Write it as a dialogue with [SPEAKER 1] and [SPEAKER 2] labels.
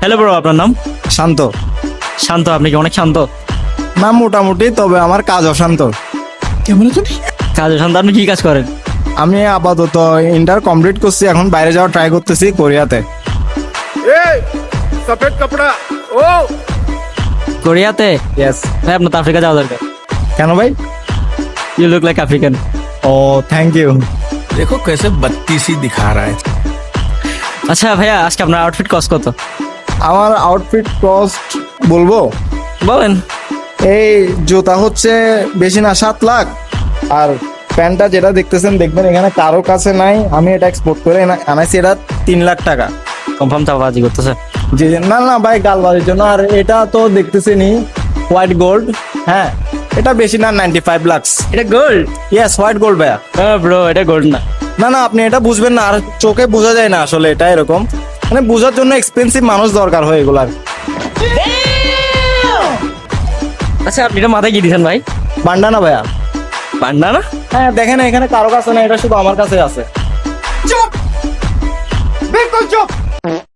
[SPEAKER 1] Hello bro, আপনার নাম?
[SPEAKER 2] শান্ত।
[SPEAKER 1] শান্ত। আপনি কি অনেক শান্ত?
[SPEAKER 2] না মোটামুটি, তবে আমার কাজ অশান্ত।
[SPEAKER 1] কাজ শান্ত। আপনি কি কাজ করেন?
[SPEAKER 2] আমি আপাতত ইন্টার কমপ্লিট করছি, এখন বাইরে যাওয়ার ট্রাই করতেছি কোরিয়াতে।
[SPEAKER 3] सफेद कपड़ा ओ
[SPEAKER 1] কোরিয়াতে?
[SPEAKER 2] ইয়েস।
[SPEAKER 1] ভাই আপনার তো আফ্রিকা যাওয়া দরকার।
[SPEAKER 2] কেন ভাই?
[SPEAKER 1] You look like African.
[SPEAKER 2] Oh thank you.
[SPEAKER 3] देखो कैसे बत्तीसी दिखा रहा है।
[SPEAKER 1] আচ্ছা ভাইয়া, আজকে আপনার আউটফিট কস্ট কত?
[SPEAKER 2] আমার আউটফিট কস্ট বলবো?
[SPEAKER 1] বলেন।
[SPEAKER 2] এই জুতা হচ্ছে বেশি না 7 লাখ, আর প্যান্টটা যেটা দেখতেছেন, দেখবেন এখানে কারো কাছে নাই, আমি এটা এক্সপোর্ট করে আনাইছি, এটা 3 লাখ টাকা।
[SPEAKER 1] কনফার্ম চাপাবাজি করতেছে?
[SPEAKER 2] জি জি, না না ভাই, গালবাজির জন্য। আর এটা তো দেখতেছেনি হোয়াইট গোল্ড। হ্যাঁ, এটা বেশি না 95 লাখ।
[SPEAKER 1] এটা গোল্ড?
[SPEAKER 2] ইয়েস, হোয়াইট গোল্ড ভাইয়া।
[SPEAKER 1] হ্যাঁ ব্রো, এটা গোল্ড না।
[SPEAKER 2] না না, আপনি এটা বুঝবেন না, আর চোখে বোঝা যায় না আসলে, এটা এরকম মানে বোঝার জন্য এক্সপেন্সিভ মানুষ দরকার হয় এগুলার।
[SPEAKER 1] আচ্ছা, আপনি এটা মাথায় কি দিয়েছেন ভাই?
[SPEAKER 2] বান্ডানা ভাইয়া।
[SPEAKER 1] পান্ডা না?
[SPEAKER 2] হ্যাঁ দেখেন, এখানে কারো কাছে না, এটা শুধু আমার কাছে আছে।
[SPEAKER 3] चुप बिल्कुल चुप।